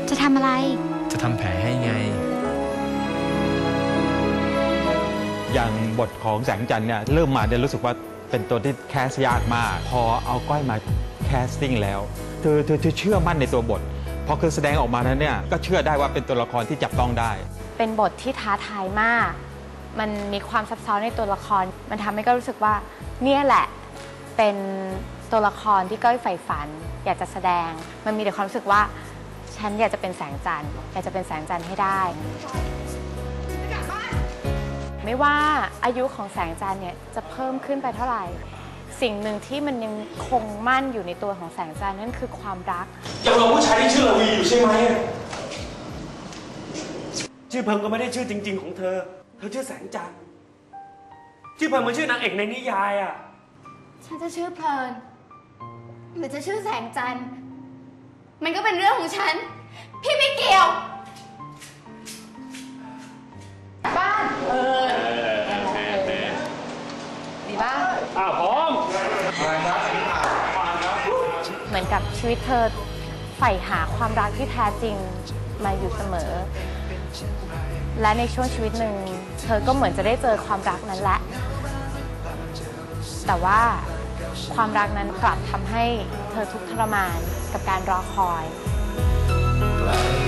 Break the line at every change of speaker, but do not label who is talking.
จะทำอะไร
จะทำแผลให้ไง
อย่างบทของแสงจันทร์เนี่ยเริ่มมาเนี่ยรู้สึกว่าเป็นตัวที่แคสยากมากพอเอาก้อยมาแคสติ้งแล้วเธอเชื่อมั่นในตัวบทพอคือแสดงออกมานั้นเนี่ยก็เชื่อได้ว่าเป็นตัวละครที่จับต้องได้
เป็นบทที่ท้าทายมากมันมีความซับซ้อนในตัวละครมันทำให้ก้อยรู้สึกว่าเนี่ยแหละเป็นตัวละครที่ก้อยใฝ่ฝันอยากจะแสดงมันมีแต่ความรู้สึกว่าฉันอยากจะเป็นแสงจันทร์อยากจะเป็นแสงจันทร์ให้ได้ไม่ว่าอายุของแสงจันทร์เนี่ยจะเพิ่มขึ้นไปเท่าไหร่สิ่งหนึ่งที่มันยังคงมั่นอยู่ในตัวของแสงจันทร์นั่นคือความรัก
ยังรอผู้ชายที่ชื่อละวีอยู่ใช่ไหมชื่อเพิงก็ไม่ได้ชื่อจริงๆของเธอชื่อแสงจันทร์ชื่อเพิงมันชื่อนางเอกในนิยายอ่ะ
ฉันจะชื่อเพลินหรือจะชื่อแสงจันทร์มันก็เป็นเรื่องของฉันพี่ไม่เกี่ยวบ้านดีบ้าง
พร้อม
เหมือนกับชีวิตเธอใฝ่หาความรักที่แท้จริงมาอยู่เสมอและในช่วงชีวิตหนึ่งเธอก็เหมือนจะได้เจอความรักนั้นแหละแต่ว่าความรักนั้นกลับทำให้เธอทุกข์ทรมานกับการรอคอย